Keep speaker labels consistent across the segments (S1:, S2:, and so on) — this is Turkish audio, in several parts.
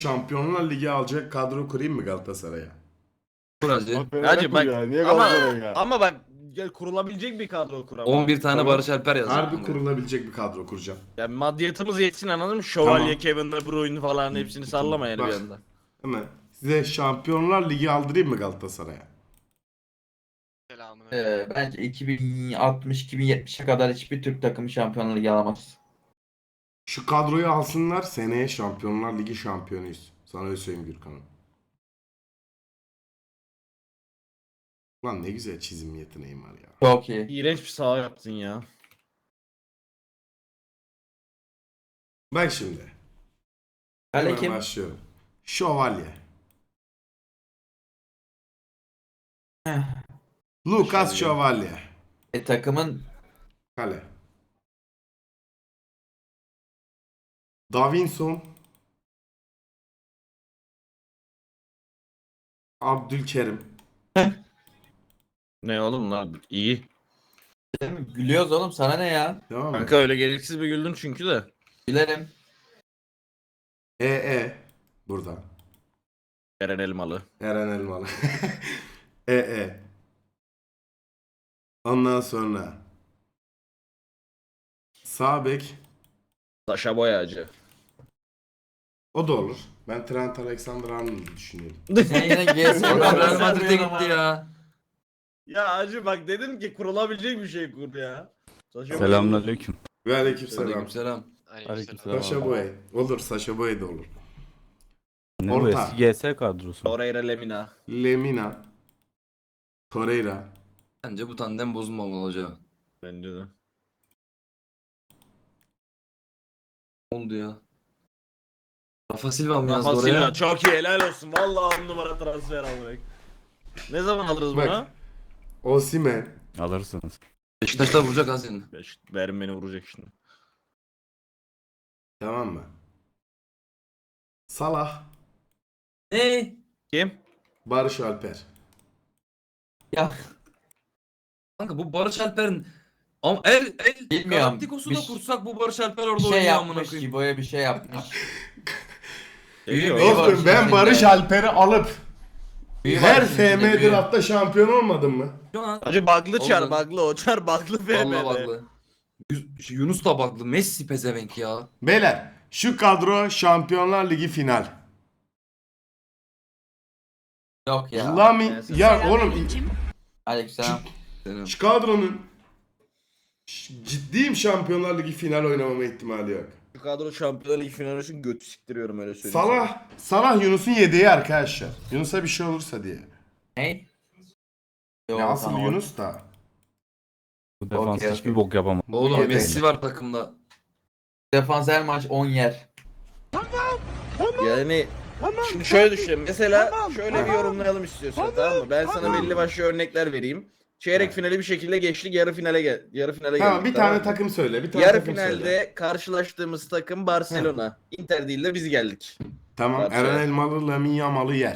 S1: Şampiyonlar Ligi alacak kadro kurayım mı Galatasaray'a?
S2: Kur hacı.
S3: Hacı bak
S4: Niye
S3: ama,
S4: Galatasaray ya?
S3: ama bak kurulabilecek bir kadro kuramam.
S2: 11 tane
S1: Tamam.
S2: Barış Alper yazacağım.
S1: Harbi kurulabilecek bir kadro kuracağım.
S3: Yani maddiyatımız yetsin anladın mı? Şövalye,
S1: Tamam.
S3: Kevin De Bruyne falan hepsini sallama yani
S1: Bak.
S3: bir anda.
S1: Hemen size Şampiyonlar Ligi aldırayım mı Galatasaray'a?
S5: Bence 2060-2070'e kadar hiçbir Türk takımı Şampiyonlar Ligi alamaz.
S1: Şu kadroyu alsınlar, seneye Şampiyonlar Ligi şampiyonuyuz. Sana öyle söyleyeyim Gürkan'ım. Lan ne güzel çizim yeteneğim var ya.
S5: Çok iyi.
S3: İğrenç bir saha yaptın ya.
S1: Bak şimdi.
S5: Kale
S1: Hemen
S5: kim?
S1: başlıyorum. Şövalye.
S5: Heh.
S1: Lucas Şövalye.
S5: Takımın
S1: Kale. Davinson. Abdülkerim.
S3: Ne oğlum lan iyi.
S5: gülüyoruz oğlum, sana ne ya?
S1: Tamam mı?
S3: Kanka öyle gereksiz bir güldün çünkü de.
S5: Gülerim.
S1: Burada.
S3: Eren Elmalı.
S1: Eren Elmalı. Ondan sonra sağ bek
S3: Saşa Boyacı.
S1: o da olur. Ben Trent Alexander-Arnold'u düşünüyorum.
S5: Sen yine GS
S2: Adam Real Madrid'e gitti ya.
S3: Ya acı bak dedim ki kurulabilecek bir şey kur ya. Saşa
S4: Selamünaleyküm.
S1: Ve aleykümselam.
S2: Aleykümselam.
S4: Aleykümselam.
S1: Saşa Boy. Olur, Saşa Boy da olur.
S4: Ne bu
S1: Orta.
S4: eski GS kadrosu?
S3: Torreira Lemina.
S1: Lemina. Torreira.
S2: Bence bu tandem bozulmamalı hoca.
S3: Bence de.
S2: Ne oldu ya? Rafa Silva mı yazdı
S3: Rafa
S2: oraya?
S3: Silva çok iyi helal olsun. Vallahi 10 numara transfer almak. Ne zaman alırız
S1: Bak.
S3: bunu?
S1: Osimhen.
S4: Alırsınız.
S2: Beşiktaş'ta vuracak ha seni.
S3: Verin beni vuracak şimdi.
S1: Tamam mı? Salah.
S2: Ne?
S3: Kim?
S1: Barış Alper.
S5: Ya
S2: Kanka bu Barış Alper'in ama
S5: Bilmiyorum.
S2: Galacticos'u da
S5: Bir-
S2: kursak bu Barış Alper orada
S5: bir şey
S2: oynuyor amına
S5: yapmış,
S2: koyayım.
S5: Gibo'ya bir şey yapmış.
S3: Geliyor.
S5: Büyük bir
S1: Dostum ben Barış Alper'i alıp
S5: Büyük
S1: her
S5: Barış'ın içinde
S1: FM
S5: büyük.
S1: draftta şampiyon olmadım mı?
S2: Şu an
S3: Hacı baglı çar
S2: Oldu.
S3: baglı o çar baglı
S2: vallahi
S3: FM'de.
S2: baklı. Yunus da baklı. Messi pezevenk ya.
S1: Beyler şu kadro Şampiyonlar Ligi final.
S5: Yok ya.
S1: Lami ya oğlum
S5: Aleykümselam.
S2: Senin.
S1: şu kadronun ciddiyim Şampiyonlar Ligi final oynamama ihtimali yok.
S3: Şu kadro Şampiyonlar Ligi finali için götü siktiriyorum öyle söyleyeyim.
S1: Salah Yunus'un yedeği arkadaşlar. Yunus'a bir şey olursa diye.
S5: Ne? Yok,
S1: Ya asıl
S5: tamam.
S1: Yunus da.
S4: Bu defans
S5: Okey,
S4: hiçbir
S5: okey.
S4: bok yapamaz.
S2: Oğlum
S1: Yedeği.
S2: Messi var takımda.
S5: Defans her maç 10 yer.
S3: Yani şimdi şöyle düşün. Mesela şöyle bir yorumlayalım istiyorsan tamam mı? Ben sana belli başlı örnekler vereyim. Çeyrek finali bir şekilde geçtik, yarı finale geldik.
S1: Tamam bir tane
S3: mı?
S1: takım söyle. Bir tane
S3: Yarı
S1: takım
S3: finalde
S1: söyle.
S3: karşılaştığımız takım Barcelona. Inter değil de biz geldik.
S1: Tamam
S3: Barcelona.
S1: Eren Elmalı Lamine Yamal'ı yer.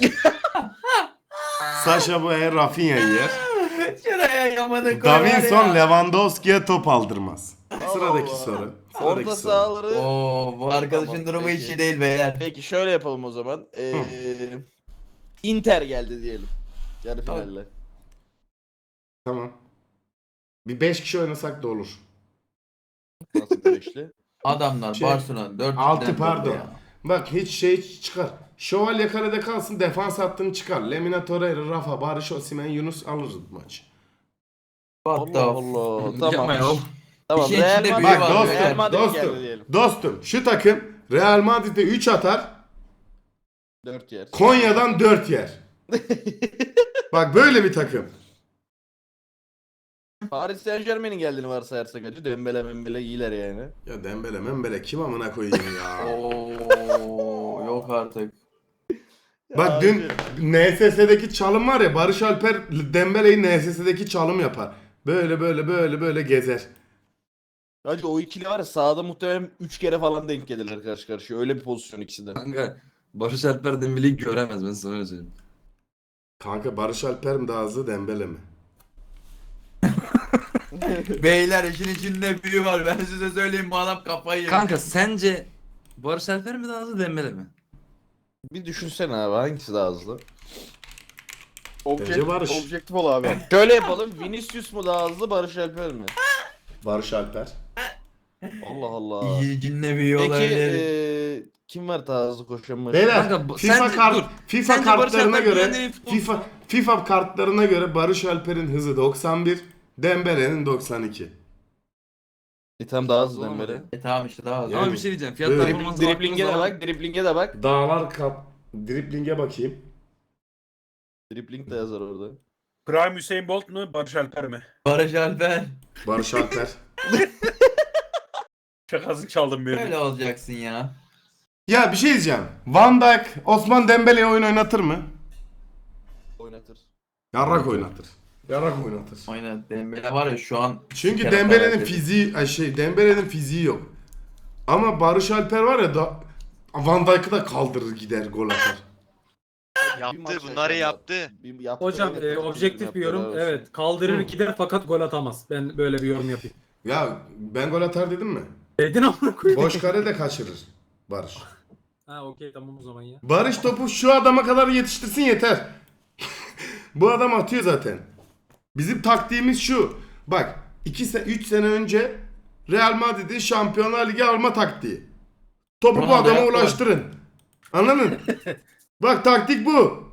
S1: Saşa Boey Rafinha'yı yer.
S5: Şuraya yamadı
S1: Davinson Lewandowski'ye top aldırmaz. Sıradaki
S3: Allah.
S1: soru. Sıradaki
S3: Orta
S1: soru.
S3: sahaları...
S5: Oo, bu arkadaşın
S3: Tamam,
S5: durumu
S3: peki.
S5: hiç iyi değil beyler.
S3: Peki şöyle yapalım o zaman. Inter geldi diyelim. Yarı
S5: Tamam.
S3: finalle.
S1: Tamam. Bir 5 kişi oynasak da olur.
S3: Nasıl bir beşli?
S5: Adamlar
S1: Şey,
S5: Barcelona 4
S1: altı pardon. Bak hiç şey çıkar. Şövalye kalede kalsın, defans hattını çıkar. Lemina Torreira, Rafa, Barış Osimhen, Yunus alırız bu maçı.
S5: What
S3: Allah
S5: the
S3: Allah.
S2: Yapma ya.
S3: Tamam. Tamam.
S5: İşin
S3: Real
S5: içinde
S3: Madrid,
S5: büyü
S1: Bak
S5: var,
S3: Real Madrid geldi
S1: dostum,
S3: diyelim.
S1: dostum şu takım Real Madrid'e 3 atar,
S3: 4 yer.
S1: Konya'dan 4 yer. Bak böyle bir takım.
S3: Paris Saint Germain'in geldiğini varsayarsak acı. Dembele Membele iyiler yani.
S1: Ya Dembele Membele kim amına koyayım ya.
S5: Oo, yok artık.
S1: Bak dün NSS'deki çalım var ya, Barış Alper Dembele'yi NSS'deki çalım yapar. Böyle böyle böyle böyle gezer.
S3: Hacı o ikili var ya sahada muhtemelen 3 kere falan denk gelirler karşı karşıya. Öyle bir pozisyon ikisi de.
S2: Kanka Barış Alper Dembele'yi göremez ben sana öyle söyleyeyim.
S1: Kanka Barış Alper mi daha hızlı Dembele mi?
S5: Beyler işin içinde büyü var. Ben size söyleyeyim, bu adam kafayı yemiş.
S2: Kanka sence Barış Alper mi daha hızlı Dembele mi?
S3: Bir düşünsene abi hangisi daha hızlı?
S1: Bence Barış.
S3: Objektif ol abi. Şöyle yapalım. Vinicius mu daha hızlı, Barış Alper mi?
S1: Barış Alper.
S3: Allah Allah.
S5: İlginle bir
S3: Peki
S5: olabilir.
S3: kim var daha hızlı koşan başı?
S1: Beyler
S2: Kanka,
S1: FIFA
S2: sence-
S1: kart
S2: dur.
S1: FIFA
S2: Sence Barış
S1: kartlarına
S2: Alper
S1: göre
S2: dünyanın en iyi futbolcusu-
S1: FIFA kartlarına göre Barış Alper'in hızı 91, Dembele'nin 92.
S3: Tam daha hızlı Dembele.
S5: Tamam işte daha hızlı.
S2: Ama bir şey diyeceğim. Fiyat
S1: Evet.
S2: performansı
S3: Dribling'e de
S2: baktığımız zaman-
S3: bak, dribling'e de bak.
S1: Dağlar kap dribling'e bakayım.
S3: Dribling de yazar orada.
S6: Prime Hüseyin Bolt mu Barış Alper mi?
S5: Barış Alper.
S1: Barış Alper.
S6: Şakası çaldım bir.
S5: Böyle olacaksın ya.
S1: Ya bir şey diyeceğim. Van Dijk Osman Dembele'ye oyun oynatır mı?
S3: Oynatır.
S1: Yarrak oynatır. Yarrak oynatır.
S5: Aynen Dembele var ya şu an.
S1: Çünkü
S5: siker
S1: Dembele'nin
S5: atar
S1: fiziği Dembele'nin fiziği yok. Ama Barış Alper var ya da Van Dijk'ı da kaldırır gider gol atar.
S7: Yaptı, bunları yaptı.
S8: Hocam objektif bir yorum. Evet, kaldırır gider fakat gol atamaz. Ben böyle bir yorum yapayım.
S1: Ya ben gol atar dedim mi?
S8: Dedin amına koyayım.
S1: Boş kare de kaçırır Barış.
S8: Ha okey tamam o zaman ya.
S1: Barış topu şu adama kadar yetiştirsin yeter. Bu adam atıyor zaten. Bizim taktiğimiz şu. Bak 3 sene önce Real Madrid'in Şampiyonlar Ligi alma taktiği. Topu bu
S5: Ronaldo
S1: adama
S5: yaptı.
S1: ulaştırın. Anladın? Bak taktik bu.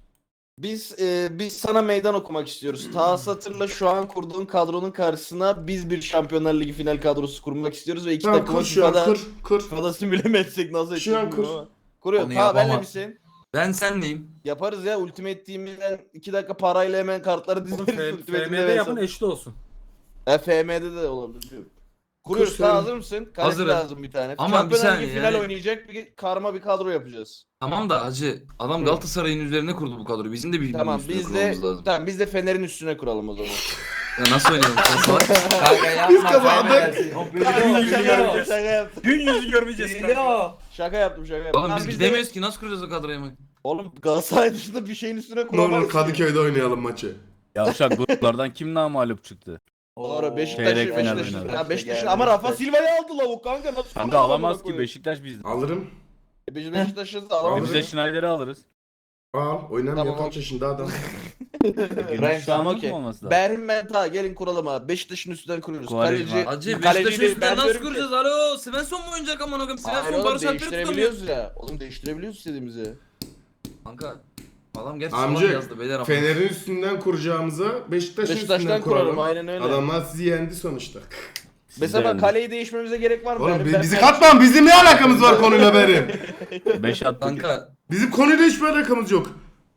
S3: Biz sana meydan okumak istiyoruz. Ta Satır'la şu an kurduğun kadronun karşısına biz bir Şampiyonlar Ligi final kadrosu kurmak istiyoruz ve iki
S1: Tamam
S3: takımı
S1: kur şu an
S3: FIFA'da
S1: kur.
S3: FIFA'da simüle mi etsek nasıl
S1: Şu an
S3: edecek
S1: kur.
S3: ama. Kuruyor.
S5: Onu
S3: Ta benle
S5: yapamaz.
S3: misin?
S2: Ben senleyim.
S3: Yaparız ya Ultimate Team'den 2 dakika parayla hemen kartları dizeriz. Ultimate Team'de
S8: FM'de yapın eşli olsun.
S3: FM'de de olabilir. Diyorum. Kuruyoruz.
S1: Kur
S3: Ta
S1: sen.
S3: hazır mısın? Kaleci
S2: Hazırım.
S3: lazım bir tane.
S2: Ama bir
S3: Şampiyonlar
S2: saniye
S3: Ligi final
S2: yani.
S3: oynayacak bir karma bir kadro yapacağız.
S2: Tamam da hacı adam Galatasaray'ın üzerine kurdu bu kadroyu. Bizim de bir
S3: Tamam
S2: üstüne
S3: biz de
S2: kurmamız lazım.
S3: tamam biz de Fener'in üstüne kuralım o zaman.
S2: Ya nasıl oynayalım sen salak?
S5: Kanka yapma
S1: kazandık.
S5: kaybedersin. O biliyor.
S3: Şaka yaptım.
S6: Gün yüzü görmeyeceğiz.
S5: Biliyor.
S3: Şaka yaptım.
S2: Oğlum
S3: Tamam,
S2: biz
S3: de-
S2: gidemiyoruz ki nasıl kuracağız o kadroyu ama?
S3: Oğlum Galatasaray dışında bir şeyin üstüne
S1: Ne
S3: kuramayız.
S1: olur Kadıköy'de oynayalım maçı.
S4: Yavşak gruplardan kim namağlup çıktı?
S3: Doğru Beşiktaş.
S4: Çeyrek final oynadı.
S3: Ha, Beşiktaş ama Rafa Silva'yı aldı lavuk kanka nasıl?
S4: Kanka
S3: kuralım
S4: alamaz
S3: amına
S4: ki
S3: koyayım?
S4: Beşiktaş bizden.
S1: Alırım.
S3: Biz Beşiktaş'ı da
S4: E
S3: alamayız.
S4: biz de Schneider'i alırız.
S1: Al oynamıyor
S3: Tamam,
S1: kaç yaşında adam.
S4: Gümüş şu an
S3: okey.
S4: mı olması lazım?
S3: Berhim Menta gelin kuralım abi. Beşiktaş'ın üstünden kuruyoruz.
S4: Quaresma.
S3: Kaleci.
S2: Hacı
S3: kaleci
S2: Beşiktaş'ın
S3: değil,
S2: üstünden
S3: ben
S2: nasıl
S3: diyorum ki-
S2: kuracağız? Alo Svensson mu oynayacak aman okuyum?
S3: Hayır
S2: Svensson
S3: oğlum
S2: Barış Alper'i tutamıyor.
S3: değiştirebiliyoruz ya. Oğlum değiştirebiliyoruz istediğimizi.
S2: Kanka adam gerçi
S1: Amca,
S2: salak yazdı beyler ama.
S1: Fener'in üstünden kuracağımıza Beşiktaş'ın
S3: Beşiktaş'tan
S1: üstünden
S3: kuralım
S1: kuralım.
S3: aynen öyle.
S1: Adamlar sizi yendi sonuçta.
S3: Mesela
S4: yani.
S3: bak kaleyi değişmemize gerek var mı?
S1: Oğlum
S3: Ben-
S1: bizi katma bizim ne alakamız var konuyla benim.
S4: 5 attık.
S2: Kanka
S1: Bizim konuyla hiçbir alakamız yok.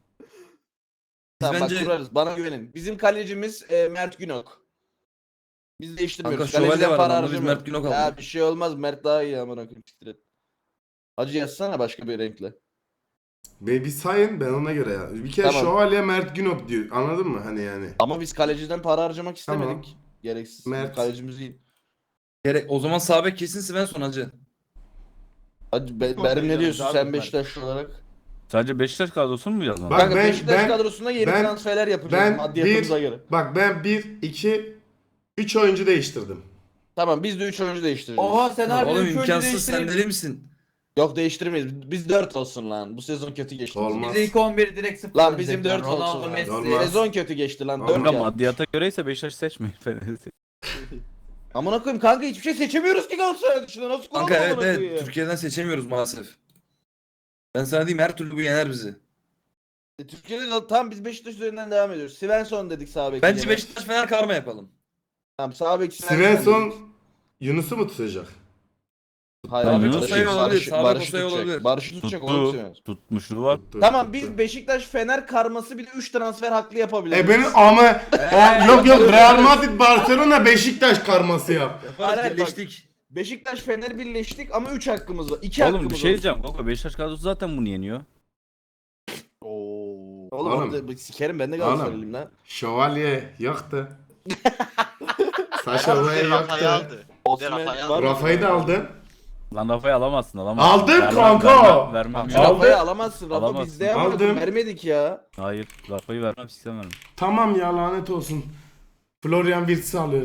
S3: Tamam
S2: bence-
S3: bak kurarız. Bana güvenin. Bizim kalecimiz Mert Günok. Biz değiştirmiyoruz.
S2: Kanka, şövalye var
S3: para
S2: adamda, biz
S3: harcamıyoruz.
S2: Mert Günok
S3: Ya
S2: aldık.
S3: bir şey olmaz. Mert daha iyi amına koyayım. Siktir et. Hacı yazsana başka bir renkle.
S1: Bir sayın ben ona göre ya. Bir kere
S3: Tamam.
S1: Şövalye Mert Günok diyor. Anladın mı hani yani?
S3: Ama biz kaleciden para harcamak istemedik.
S1: Tamam.
S3: Gereksiz.
S1: Mert.
S3: Kalecimiz iyi.
S2: gerek o zaman sağ bek kesin Svensson hacı.
S3: Hacı Berim ne diyorsun
S6: Abi,
S3: sen
S6: Mert.
S3: Beşiktaşlı olarak?
S4: Sadece Beşiktaş kadrosunu mu yazmadın?
S1: Bak,
S3: Kanka
S1: ben-
S3: Beşiktaş
S1: ben-
S3: kadrosunda yeni
S1: ben-
S3: transferler yapacağız
S1: ben
S3: maddiyatımıza göre.
S1: Bak ben 1, 2, 3 oyuncu değiştirdim.
S3: Tamam biz de 3 oyuncu değiştireceğiz.
S5: Oha sen harbi
S2: Oğlum
S5: üç oyuncu
S2: imkansız sen
S5: değiştirdin.
S2: deli misin?
S3: Yok değiştirmeyiz. Biz 4 olsun lan. Bu sezon kötü geçti.
S1: Olmaz.
S5: Biz ilk 11 direkt sıfır.
S3: Lan bizim
S5: dört
S3: 4 olsun.
S5: Messi.
S1: Olmaz.
S3: Sezon kötü geçti lan. 4
S4: Kanka
S3: ya.
S4: maddiyata göreyse Beşiktaş seçmeyin. Fener'i seç.
S3: Amına koyayım kanka hiçbir şey seçemiyoruz ki Galatasaray dışında. Nasıl kuralım
S2: Kanka evet
S3: amına koyayım?
S2: evet Türkiye'den seçemiyoruz maalesef. Ben sana diyeyim her türlü bu yener bizi.
S3: Türkiye'de de tam biz Beşiktaş üzerinden devam ediyoruz. Svensson dedik sağ bek.
S2: Bence
S3: yine.
S2: Beşiktaş Fener karma yapalım.
S3: Tamam sağ bek
S1: Svensson
S3: dedik.
S1: Yunus'u mu tutacak?
S3: Hayır
S4: Tamam,
S3: abi,
S4: Yunus
S3: Barış'ı-
S2: olabilir,
S3: Barış'ı-
S2: sağ bek
S3: Barış'ı
S2: Osay
S3: tutacak.
S2: olabilir.
S3: Barış'ı tutacak oğlum
S4: Tuttu.
S3: Svensson.
S4: Tutmuşluğu var.
S1: Tuttu,
S3: Tamam
S1: tuttu.
S3: biz Beşiktaş Fener karması bir de 3 transfer hakkı yapabiliriz.
S1: benim ama yok Real Madrid Barcelona Beşiktaş karması yap.
S3: Hayır, hayır, bak.
S2: Birleştik.
S3: Beşiktaş Fener birleştik ama 3 hakkımız var. 2 hakkımız
S4: Oğlum bir
S3: var.
S4: şey diyeceğim. Kanka Beşiktaş kadrosu zaten bunu yeniyor.
S3: Oğlum,
S1: Oğlum.
S3: orada sikerim ben de Galatasaraylıyım lan.
S1: Şövalye yoktu. Saşa Boey
S7: Rafa'yı
S1: yoktu.
S7: aldı.
S3: Osman
S7: Rafa'yı
S3: var.
S1: Rafa'yı da aldın.
S4: Lan Rafa'yı alamazsın alamazsın.
S1: Aldın
S4: Vermem,
S1: kanka.
S4: Vermem.
S3: Şu
S1: Aldı.
S3: Rafa'yı alamazsın. Rafa
S4: Alamazsın.
S3: bizde ama
S1: Aldım.
S3: vermedik ya.
S4: Hayır Rafa'yı vermem istemem.
S1: Tamam ya lanet olsun. Florian Wirtz'i alıyorum.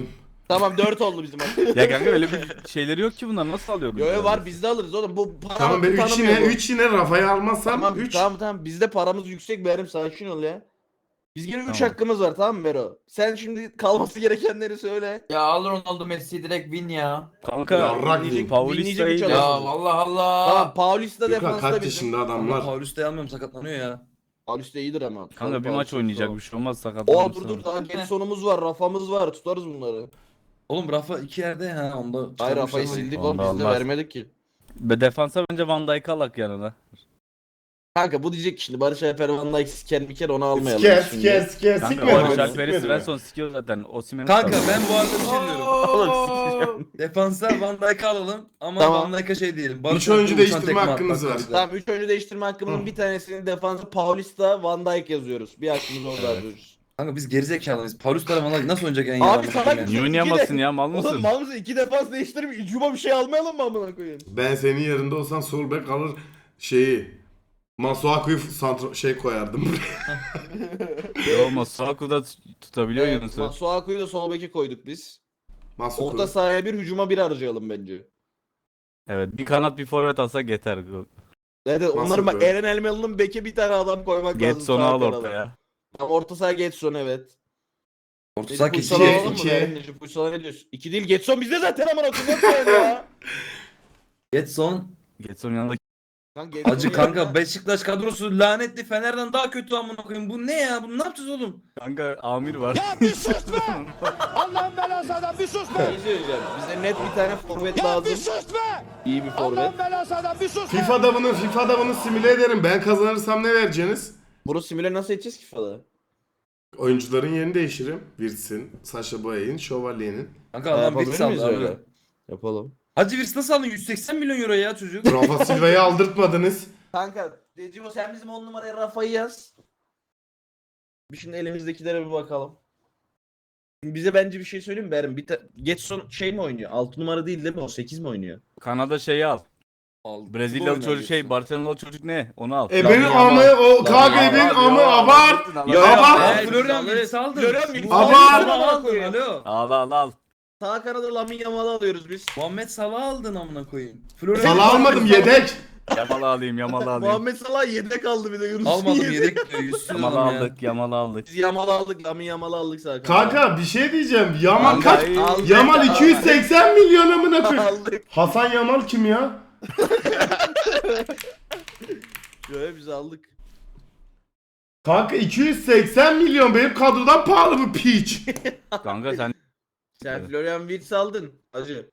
S3: Tamam 4 oldu bizim hakkımız.
S4: Ya kanka öyle bir şeyleri yok ki bunlar nasıl alıyor?
S3: Yo yo var bizde alırız oğlum. Bu para
S1: Tamam ben 3
S3: tanımıyor
S1: yine
S3: bu.
S1: 3 yine Rafa'yı almazsam
S3: Tamam
S1: 3.
S3: tamam bizde paramız yüksek Berim sakin ol ya. Biz yine 3
S4: Tamam.
S3: hakkımız var tamam mı Bero? Sen şimdi kalması gerekenleri söyle.
S5: Ya al Ronaldo Messi direkt win ya.
S4: Kanka
S1: Yarrak
S3: Dinleyecek-
S4: Paulista'yı
S3: dinleyecek bir
S5: Ya
S3: çalış-
S5: Allah Allah.
S3: Tamam Paulista
S1: Gökhan
S3: defansta
S1: kaç
S3: bizim.
S1: yaşında
S2: Ama
S1: adamlar.
S2: Paulista'yı almıyorum sakatlanıyor ya.
S3: Paulista iyidir ama.
S4: kanka bir maç oynayacak bir şey olmaz
S3: O
S4: sakatlanırsa.
S3: dur daha Getson'umuz var, Rafa'mız var. Tutarız bunları.
S2: Oğlum Rafa 2 yerde ha onda.
S3: Hayır Rafa'yı
S2: çıkarmışlar.
S3: sildik
S4: Onda
S3: oğlum biz de
S4: olmaz.
S3: vermedik ki.
S4: Ve defansa bence Van Dijk'ı alak yanına.
S3: Kanka bu diyecek ki şimdi Barış Alper Van Dijk siker bir kere onu almayalım.
S1: Siker
S3: şimdi.
S1: siker siker
S4: Kanka
S1: sikme.
S4: Barış
S1: beni,
S4: Alper'i
S1: sikme beni.
S4: Svensson sikiyor zaten. Osimhen'i
S2: Kanka
S4: tutar.
S2: ben bu arada bir şey diyorum.
S5: Oo.
S2: Defansa Van Dijk'ı alalım ama
S3: Tamam.
S2: Van Dijk'a şey diyelim.
S1: Üç
S2: Barış
S1: oyuncu
S2: Alper'e
S1: değiştirme
S2: uçan tekme
S1: hakkımız
S2: atmak
S1: var.
S2: lazım.
S3: Tamam 3 oyuncu değiştirme hakkımızın bir tanesini defansa Paulista Van Dijk yazıyoruz. Bir hakkımız orada yazıyoruz.
S2: Kanka biz gerizekalıyız. Paulista'la Van Dijk nasıl oynayacak en iyi
S3: Abi
S2: adam
S3: salak
S2: yani?
S3: mısın?
S4: Niye oynayamazsın ya mal mısın?
S3: Oğlum mal mısın? 2 defans değiştirip Cuma bir şey almayalım mı amına koyayım?
S1: Ben senin yerinde olsam sol bek alır şeyi. Masuaku'yu şey koyardım.
S4: Yo Masuaku da tutabiliyor Yunus'u.
S3: Masuaku'yu da sol beke koyduk biz.
S1: Masuaku.
S3: Orta sahaya bir hücuma bir harcayalım bence.
S4: Evet bir kanat bir forvet alsak yeter.
S3: Evet onların
S1: Masuaku.
S3: bak Eren Elmalı'nın beke bir tane adam koymak lazım.
S4: Getson'u
S3: sağ
S4: al
S3: kanada.
S4: ortaya.
S3: Tamam, orta saha Getson evet.
S2: Orta saha
S3: Puysal'ı
S2: keçi.
S3: alalım mı?
S1: iki.
S3: Eren Necip Puysal'a ne diyorsun? 2 değil Getson bizde zaten amına koyayım ya.
S2: Getson.
S4: Getson yanında
S3: Lan Getson'u
S2: Acı
S3: yanına-
S2: kanka Beşiktaş kadrosu lanetli Fener'den daha kötü amına koyayım. Bu ne ya? Bunu ne yapacağız oğlum?
S4: kanka Amir var.
S3: Bir şey söyleyeceğim. Bize net bir tane forvet lazım. İyi bir forvet.
S1: FIFA'da bunu simüle ederim. Ben kazanırsam ne vereceksiniz?
S3: Bunu simüle nasıl edeceğiz ki falan?
S1: Oyuncuların yerini değiştiririm. Wirtz'in, Sasha Boye'in, Şövalye'nin.
S2: Kanka adam
S3: Yapabilir
S2: Wirtz
S3: miyiz
S2: aldı
S3: öyle?
S2: abi.
S3: Yapalım.
S2: Hacı Wirtz nasıl aldın? 180 milyon euro ya çocuk.
S1: Rafa Silva'yı aldırtmadınız.
S3: Kanka, Decibo sen bizim 10 numaraya Rafa'yı yaz. Bir şimdi elimizdekilere bir bakalım. Bize bence bir şey söyleyeyim mi Berim? Getson şey mi oynuyor? 6 numara değil mi? O 8 mi oynuyor?
S4: Kanada şeyi al.
S2: Aldı.
S4: Brezilyalı
S2: Oynar
S4: çocuk şey
S2: Getson.
S4: Barcelona'lı çocuk ne? Onu al.
S1: Ebenin
S3: Lamine
S1: amı
S3: Yamal.
S1: o KGB'nin amı abart.
S3: Yo,
S1: Abart.
S2: Hey, Florian Wirtz aldın.
S3: Florian Wirtz
S2: Muhammed
S1: aldın.
S2: Salah
S3: Amına
S2: aldın.
S3: koyayım.
S2: Alo.
S4: Al.
S3: Sağ kanada Lamine Yamal'ı alıyoruz biz.
S2: Muhammed Salah aldın amına koyayım. Florian
S1: Salah almadım yedek.
S4: Yamal alayım.
S3: Muhammed Salah yedek kaldı bir de Yunus'un
S2: Almadım yedek diyor. Yüzsüz
S4: Yamal
S2: adam ya.
S4: aldık. Yamal aldık.
S3: Biz Yamal'ı aldık, Lamine Yamal'ı aldık sağ kanada.
S1: Kanka bir şey diyeceğim. Yamal kaç?
S3: Aldık.
S1: Yamal 280 milyon amına koyayım.
S3: Aldık.
S1: Hasan Yamal kim ya?
S3: Şöyle biz aldık.
S1: Kanka 280 milyon benim kadrodan pahalı bu piç.
S4: Kanka sen
S3: Sen
S4: Evet.
S3: Florian Wirtz aldın hacı.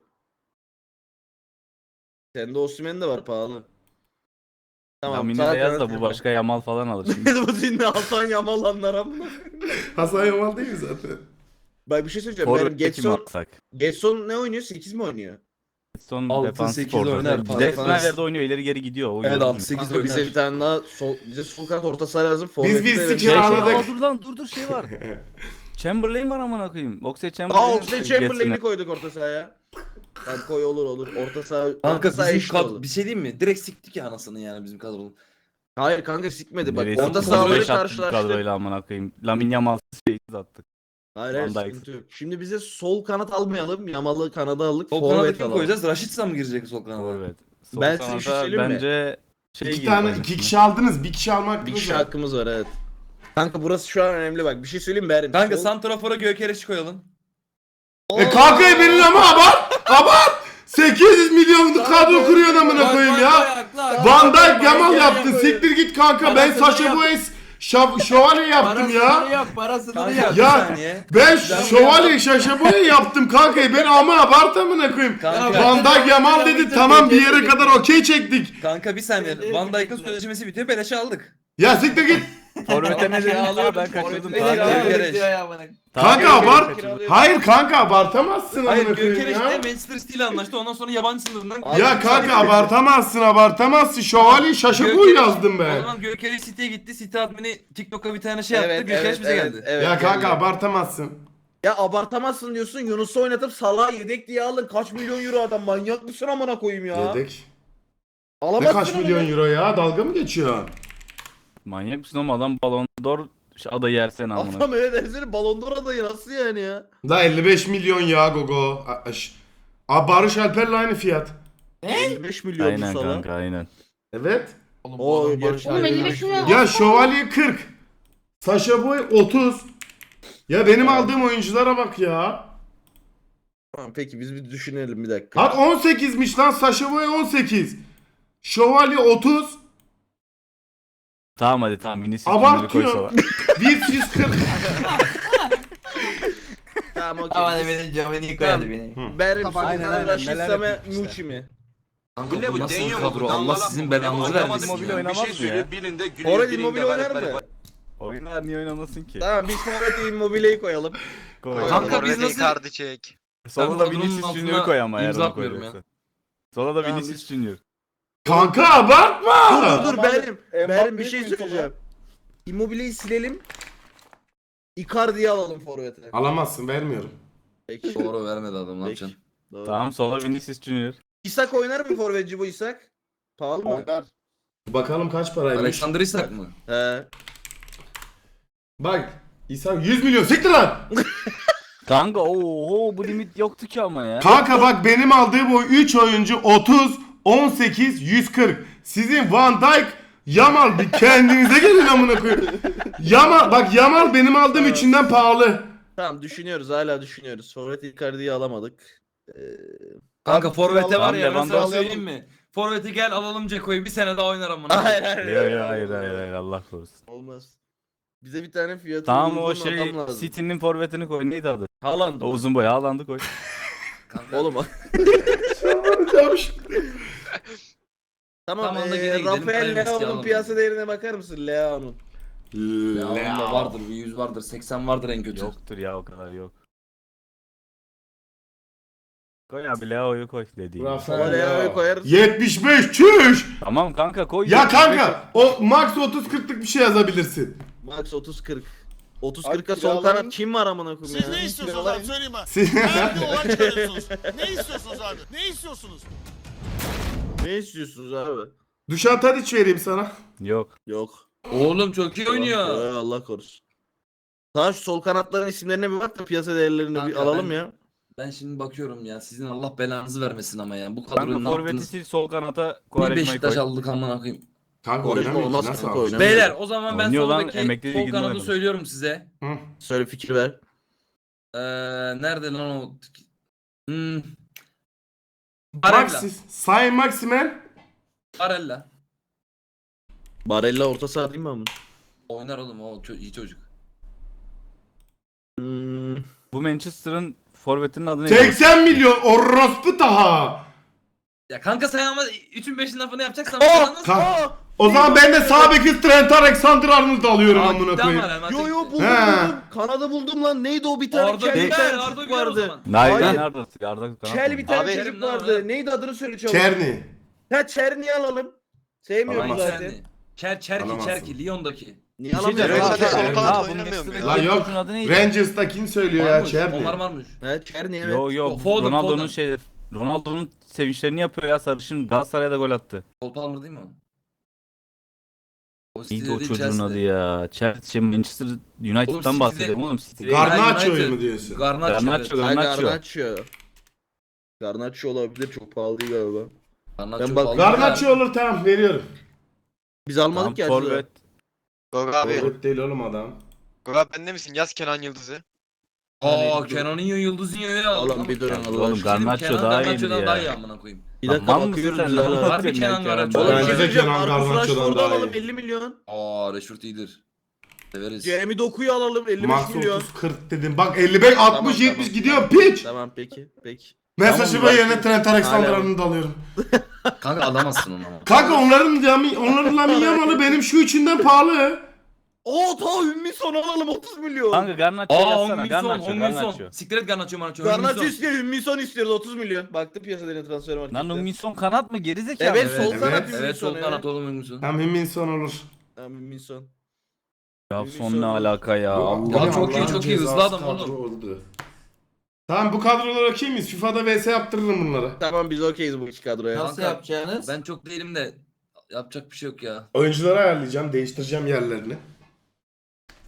S3: Sende Osimhen de var pahalı.
S4: Lamine
S3: sağ
S4: de yaz
S3: kanat
S4: da bu
S3: Yamal.
S4: başka Yamal falan alır şimdi.
S3: Bu dinle Hasan Yamal anlar amına.
S1: Hasan Yamal değil mi zaten?
S3: Bak bir şey söyleyeceğim. Benim
S4: Forvet'te kim
S3: Getson,
S4: alsak?
S3: Getson ne oynuyor? 8 mi oynuyor?
S4: Son
S2: Altı,
S4: defans
S2: sekiz
S4: forvet.
S2: oynar,
S3: defans.
S4: Defans oynuyor ileri geri gidiyor. O
S2: Evet
S4: yüzden.
S2: 6-8
S3: Kanka bize bir tane daha bize sol kanat orta saha lazım.
S1: Biz
S3: Forvet'te
S1: bir
S3: de-
S1: sikir
S4: Şey,
S1: anladık.
S4: dur lan dur şey var. Chamberlain var amına koyayım. Oxlade Chamberlain.
S3: Oxlade Chamberlain'i koyduk orta sahaya. Tamam koy olur. Orta saha
S2: Kanka
S3: orta saha
S2: bizim
S3: eşit olur.
S2: bir şey diyeyim mi? Direkt siktik ya anasını yani bizim kadronun.
S3: Hayır kanka sikmedi bak.
S4: Neresi
S3: Orta
S4: tuttu?
S3: sahaları
S4: Beş attık bu
S3: karşılaştık.
S4: kadroyla amına koyayım. Lamine Yamal 8 attık.
S3: Hayır
S4: Van Dijk.
S3: sıkıntı yok. Şimdi bize sol kanat almayalım. Yamal'ı kanada aldık.
S2: Sol kanada
S3: Forvet
S2: kim
S3: alalım.
S2: koyacağız? Raşitsa mı girecek sol kanada?
S4: Forvet. Sol
S3: Ben size bir şey
S4: kanada
S3: söyleyeyim mi?
S4: bence şey
S1: İki
S4: gibi
S1: tane
S4: oynar.
S1: iki kişi aldınız. Bir kişi almak
S3: Bir kişi hakkımız var evet. Kanka burası şu an önemli bak. Bir şey söyleyeyim mi Berim?
S2: Kanka
S3: Sol-
S2: Santrafor'a Gökereş'i koyalım.
S1: Kanka benim ama abart. 800 milyonluk kadro kuruyor amına koyayım ya. Van Dijk Yamal yaptın. Siktir git kanka. Ben Sasha Boyes Şövalye yaptım ya.
S5: Parasını
S2: Kanka
S5: yap.
S2: bir
S1: Ya
S2: saniye.
S1: ben Şövalye Sasha Boye yaptım kanka. Ben ama abart amına koyayım.
S2: Kanka,
S1: Van Dijk Yamal dedi tamam bir yere kadar okey çektik.
S2: kanka bir saniye. Van Dijk'ın sözleşmesi bitiyor. Beleşe aldık.
S1: Ya siktir git.
S4: Forvet'e ne dedin?
S2: alıyorum,
S4: Ben kaçırdım.
S2: forvet'e
S4: Kanka.
S2: geliyorum.
S5: Gökereş.
S1: Kanka abart. Hayır kanka abartamazsın
S2: Hayır
S1: amına koyayım
S2: Gökereş de
S1: ya.
S2: Manchester City ile anlaştı. Ondan sonra yabancı sınırından...
S1: Ya kanka abartamazsın. Şövalye Sasha Boye yazdım
S2: O
S1: ben.
S2: zaman Gökereş City'ye gitti. City admini TikTok'a bir tane şey yaptı.
S3: Evet,
S2: Gökereş
S3: evet,
S2: bize
S3: evet,
S2: geldi.
S3: evet,
S1: Ya kanka
S3: geldi.
S1: abartamazsın.
S3: Ya abartamazsın diyorsun. Yunus'u oynatıp Salah'ı yedek diye aldın. Kaç milyon euro adam. Manyak mısın amına koyayım ya?
S1: Yedek. Ne
S3: Alamazsın
S1: kaç
S3: onu
S1: milyon
S3: ya.
S1: euro ya? Dalga mı geçiyor?
S4: Manyak mısın oğlum adam Ballon d'Or çıkmış. Adayı yersene amına.
S3: Adam öyle dersene Ballon d'Or adayı nasıl yani ya?
S1: Da 55 milyon ya Gogo. Barış Alper'le aynı fiyat.
S3: 55 milyon
S4: Aynen
S3: bu sana.
S4: kanka aynen.
S1: Evet.
S5: Oğlum,
S3: O
S5: bu adam
S3: gerçi-
S5: Barış
S9: Oğlum
S5: Alper'le
S9: 55 milyon.
S1: Ya Şövalye 40. Sasha Boy 30. Ya benim aldığım oyunculara bak ya.
S3: Tamam, peki biz bir düşünelim bir dakika.
S1: Bak 18'miş lan, Sasha Boy 18. Şövalye 30.
S4: Tamam hadi tamam. Vinicius Junior'ı koy sola.
S1: Abartıyor. Wirtz 140.
S3: Tamam okey.
S5: Ama beni Giovanni koyardı beni.
S3: Berim
S9: Aynen,
S3: Sultan
S4: aynen.
S3: Raşit
S4: Neler
S3: Same
S4: yapıyor işte.
S3: Muçi mi?
S2: Kanka
S7: ne
S2: bu
S7: bu,
S2: nasıl
S7: deniyor
S2: bir
S7: mu?
S2: kadro?
S7: Dangalak
S2: Allah
S7: mı
S2: sizin
S7: bu?
S2: belanızı
S7: Anlamadım
S2: vermesin.
S4: Immobile
S2: ya.
S4: oynamaz mı ya?
S7: Birinde
S3: Orada Immobile oynar mı?
S4: Oynar niye oynamasın ki?
S3: Tamam biz Forvet'e Immobile'yi koyalım.
S4: Koy.
S2: Kanka biz nasıl-
S7: Icardi çek.
S4: Sola da
S2: kadronun
S4: Vinicius
S2: altına
S4: Junior'ı koy ama eğer
S2: imza
S4: onu
S2: atmıyorum
S4: koyarsan. Sola da
S3: Tamam,
S4: Vinicius Junior.
S1: Kanka abartma.
S3: Dur Berim bir şey söyleyeceğim. Immobile'yi silelim. Icardi'yi alalım Forvet'e.
S1: Alamazsın, vermiyorum.
S3: Peki.
S2: Doğru vermedi adam ne
S3: Peki.
S2: yapacaksın?
S3: Doğru.
S4: Tamam sola Vinicius Junior.
S3: İshak oynar mı forvetci bu İshak? Pahalı mı?
S9: Oynar.
S1: Bakalım kaç paraymış.
S2: Alexander Isak mı?
S3: He.
S1: Bak İhsan 100 milyon, siktir lan.
S4: Kanka oho bu limit yoktu ki ama ya.
S1: Kanka bak benim aldığım o 3 oyuncu 30, 18, 140. Sizin Van Dijk, Yamal, bir kendinize gelin amına koyayım. Yamal benim aldığım üçünden pahalı.
S3: Tamam düşünüyoruz hala düşünüyoruz. Forvet Icardi'yi alamadık.
S2: Kanka Forvet'e var ya
S4: Tamam,
S2: ben sana
S4: Lewandowski-
S2: söyleyeyim mi? Forvet'i gel alalım Ceko'yu bir sene daha oynar amına.
S3: Hayır hayır.
S4: Hayır Allah korusun.
S3: Olmaz. Bize bir tane fiyatı
S4: Tamam o
S3: uygun
S4: şey
S3: adam lazım.
S4: City'nin forvetini koy neydi adı?
S3: Haaland.
S4: O uzun boy Haaland'ı koy.
S2: Kanka,
S3: Oğlum. Tamam,
S2: Tamam da gene gidelim,
S3: Rafael
S2: Prime
S3: Leao'nun
S2: alalım.
S3: piyasa değerine bakar mısın Leao'nun?
S2: ya onda vardır bir 100 vardır 80 vardır en kötü.
S4: Yoktur ya o kadar yok. Koy abi Leao'yu koy dediğim. gibi.
S1: Rafael
S3: Leao'yu
S1: Leao.
S3: koyarız.
S1: 75 çüş.
S4: Tamam kanka koy.
S1: Ya kanka o max 30-40'lık bir şey yazabilirsin.
S3: Max 30-40. 30-40'a
S9: Abi,
S3: sol
S9: kiralayın.
S3: kanat kim var amına koyayım ya?
S10: Siz ne istiyorsunuz abi söyleyeyim ha.
S1: Siz-
S10: Nerede olay çıkarıyorsunuz? Ne istiyorsunuz abi? Ne istiyorsunuz?
S3: Ne istiyorsunuz abi?
S1: Dušan Tadić vereyim sana.
S4: Yok.
S3: Yok.
S2: Oğlum çok iyi oynuyor.
S3: Allah korusun. Tamam şu sol kanatların isimlerine bir bak da piyasa değerlerini bir
S2: Kanka,
S3: alalım
S2: ben-
S3: ya.
S2: Ben şimdi bakıyorum ya sizin Allah belanızı vermesin ama ya bu
S4: Kanka
S2: kadroyu ne
S4: forveti
S2: yaptınız?
S4: sil sol kanata
S2: Niye
S4: Quaresma'yı
S2: Beşiktaş
S4: koy.
S2: aldık amına koyayım.
S1: Kanka
S3: Orada
S1: oynamıyor ki,
S3: olmaz
S1: nasıl
S3: kanka,
S1: almış?
S3: oynamıyor.
S2: Beyler o zaman ben
S4: Oynuyor lan,
S2: soldaki
S4: emekli
S2: sol
S4: liginde
S2: kanadı
S4: oynadı.
S2: söylüyorum size.
S1: Hı.
S3: Söyle fikir ver.
S2: Nerede lan o? Barella.
S1: Maxis, Sayın Maximen.
S2: Barella.
S3: Barella orta saha değil mi ama?
S2: Oynar oğlum o iyi çocuk.
S3: Hmm.
S4: Bu Manchester'ın forvetinin adı neydi?
S1: 80 milyon orospu taha.
S2: Ya kanka sen ama 3'ün 5'in lafını yapacaksan
S3: Oh!
S2: falan nasıl?
S1: Kanka. O zaman ben de sağ beki Trent Alexander-Arnold alıyorum
S2: Aa,
S1: amına
S2: gitti
S1: koyayım.
S2: ama Real
S3: Yo
S2: Madrid
S3: yo
S2: gitti.
S3: buldum
S1: He.
S3: buldum. Kanadı buldum lan. Neydi o bir tane
S2: Arda
S3: kel bir
S2: Güler,
S3: tane
S2: Arda
S3: çocuk
S2: Güler o
S3: vardı.
S2: zaman.
S4: Hayır.
S3: Hayır.
S4: Arda kanat
S3: Kel bir
S4: mı?
S3: tane
S7: Abi,
S3: çocuk
S2: benim ne
S3: vardı.
S2: var?
S3: Neydi adını söyle çabuk.
S1: Çerni.
S3: Ha Çerni'yi alalım. Sevmiyorum
S1: Alamaz.
S3: zaten.
S2: Çerki
S1: Alamazsın.
S2: Lyon'daki.
S3: Niye
S4: Bir şey
S3: alamıyorum?
S4: diyeceğim.
S7: Hadi sol
S3: Ha,
S7: kanat
S4: Ha, bu
S7: oynamıyor mu?
S4: Manchester'daki
S1: Lan yok.
S4: çocuğun adı neydi?
S1: Rangers'ta söylüyor ya
S2: Varmış,
S1: Çerni.
S2: Omar varmış.
S3: Ha Çerni evet.
S4: Yo yo
S2: Foden,
S4: Ronaldo'nun
S2: Foden.
S4: şey Ronaldo'nun sevinçlerini yapıyor ya sarışın Galatasaray'da gol attı.
S2: Cole Palmer değil mi o? O
S4: Neydi
S2: City'de
S4: o
S2: değil,
S4: çocuğun
S2: Chelsea'de.
S4: adı ya? Chelsea, Manchester United'dan
S2: City'de-
S4: bahsedelim oğlum. City'de.
S1: Garnaccio'yu
S2: United.
S1: mu diyorsun?
S2: Garnacho.
S4: Garnacho,
S2: evet.
S3: Ha,
S4: Garnacho.
S3: Garnacho. Garnacho olabilir çok pahalı değil galiba.
S2: Garnacho
S3: Ben bak-
S2: Palmer.
S1: Garnaccio olur, tamam veriyorum.
S3: Biz almadık
S4: Tamam,
S3: ya.
S4: forvet.
S7: Gogo abi.
S1: Forvet değil oğlum adam.
S7: Gogo abi bende misin? Yaz Kenan Yıldız'ı.
S2: Aa Kenan'ın Yıldız'ın aldık.
S3: Oğlum bir durun
S2: Kenan-
S3: Allah
S4: Oğlum,
S2: Bir şey diyeyim mi?
S4: Garnacho
S2: Kenan
S4: daha
S2: Garnacho'dan
S4: iyiydi
S2: daha
S4: ya.
S2: iyi amına koyayım.
S3: Bir dakika
S4: Lan
S3: bakıyoruz
S4: sen
S3: biz
S4: lan?
S3: hala.
S2: Harbi Kenan Garnacho.
S3: Oğlum
S1: Bence
S3: bir
S1: de
S3: şey diyeceğim.
S1: Kenan
S3: Marcus
S1: Garnaccio'dan
S3: Rashford'u
S1: daha
S3: alalım
S1: iyi.
S3: 50 milyon.
S2: Aa Rashford iyidir. Severiz.
S3: Jeremy Doku'yu alalım 55
S1: Max
S3: milyon.
S1: 30 40 dedim. Bak 55 60
S3: Tamam,
S1: 70
S3: tamam.
S1: gidiyor piç.
S3: Tamam peki. Peki.
S1: Mesajı
S3: Tamam,
S1: ve yerine
S3: belki-
S1: Trent
S3: Hala-
S1: Alexander-Arnold alıyorum.
S2: Kanka alamazsın onu ama.
S1: Kanka onların Lamine Yamal'ı benim şu üçünden pahalı.
S3: Oo ta Ümmi son alalım 30 milyon.
S4: Kanka Garnacho
S2: Aa
S4: yazsana.
S2: Hong-Min
S4: Garnacho,
S2: Son.
S4: Garnacho.
S2: Siktir et Garnacho Garnacho.
S3: Garnacho istiyor Ümmi son istiyoruz 30 milyon. Baktım piyasalarına transfer
S4: Lan
S3: markette.
S4: Hong-Min Son kanat mı? Gerizekalı.
S3: Evet,
S2: Evet,
S3: sol
S1: evet.
S3: kanat Ümmi
S2: Evet sol
S3: son.
S2: kanat oğlum Hong-Min
S1: Hem Himminson olur.
S3: Tamam Ümmi son.
S4: Ya
S3: Hong-Min
S4: son
S3: Son
S4: ne
S3: olur.
S4: alaka ya?
S2: Ya
S4: Allah.
S2: çok iyi,
S1: Allah'ın
S2: çok iyi. Hızlı
S1: cezası
S2: adam oğlum.
S1: kadro oldu. Tamam bu kadrolar okey miyiz? FIFA'da vs yaptırırım bunları.
S3: Tamam biz okeyiz bu iki kadroya.
S5: Nasıl
S2: Kanka,
S5: yapacağınız?
S2: Ben çok değilim de yapacak bir şey yok ya.
S1: Oyuncuları ayarlayacağım, değiştireceğim yerlerini.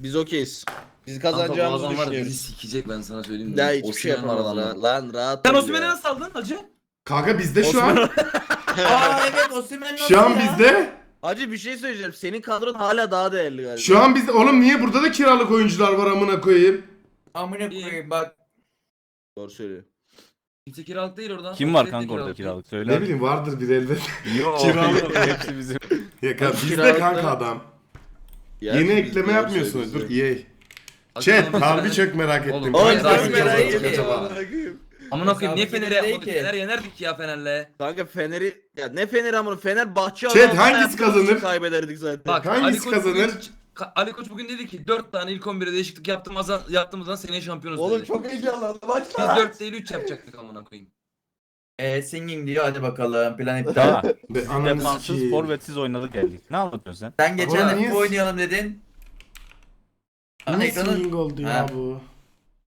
S3: Biz okeyiz. Biz
S2: Kanka bu
S3: kazanacağımızı
S2: adam var bizi
S3: düşünüyoruz.
S2: sikecek ben sana söyleyeyim.
S3: Daha hiçbir şey
S2: Osimhen var
S3: yapamaz
S2: adamda.
S3: lan rahat
S8: Sen
S3: ol
S8: Osimhen'i
S3: ya.
S8: nasıl aldın hacı?
S1: Kanka bizde şu an.
S5: Aa evet Osimhen nasıl
S1: Şu an
S5: ya?
S1: bizde.
S3: Hacı bir şey söyleyeceğim. Senin kadron hala daha değerli galiba.
S1: Şu an bizde. Oğlum niye burada da kiralık oyuncular var amına koyayım?
S5: Amına koyayım bak.
S3: Doğru söylüyor.
S2: Kimse kiralık değil orada.
S4: Kim var
S2: Osimhen de
S4: kanka orada
S2: değil.
S4: kiralık
S1: Ne
S4: söyle.
S1: bileyim vardır bir elbet.
S4: Yok.
S1: Kiralık.
S4: Hepsi bizim.
S1: Ya kanka, bizde
S3: Kiralık
S1: kanka
S3: da-
S1: adam.
S3: Ya
S1: Yeni
S3: biz
S1: ekleme
S3: doğru
S1: yapmıyorsunuz. Dur
S3: söylüyorsun.
S1: EA.
S2: Hadi
S1: Chat
S2: oğlum,
S1: harbi
S2: sen-
S1: çok merak ettim.
S2: Oğlum,
S3: Oğlum
S2: Hayır,
S3: çok
S2: harbi
S3: merak
S2: çok
S3: ettim.
S1: acaba?
S2: Amına koyayım niye
S5: Hesabı
S2: Fener'i
S5: değil
S2: yapmadık?
S5: ki.
S2: Fener yenerdik ya Fener'le.
S3: Kanka Fener'i ya ne Fener amına Fenerbahçe
S1: Chat,
S3: Allah'tan
S1: hangisi
S3: yaptığımız
S1: kazanır?
S3: için kaybederdik zaten.
S2: Bak
S1: Hangisi
S2: Ali Koç
S1: kazanır?
S2: Bugün, Ali Koç bugün dedi ki 4 tane ilk 11'e değişiklik yaptığımızdan seneye şampiyonuz
S3: Oğlum
S2: dedi.
S3: çok heyecanlandım.
S2: Biz
S3: Başla.
S2: 4 değil 3 yapacaktık amına koyayım.
S5: Singing diyor hadi bakalım plan iptal.
S4: Daha.
S1: Be, ananı
S4: Defansız
S1: sikeyim.
S4: forvetsiz oynadık geldik. Ne anlatıyorsun sen?
S5: Sen geçen
S1: Oğlum
S5: hafta
S1: niye-
S5: oynayalım dedin. Ana
S1: Niye
S5: ekranın
S1: singing oldu ya
S5: Ha.
S1: bu?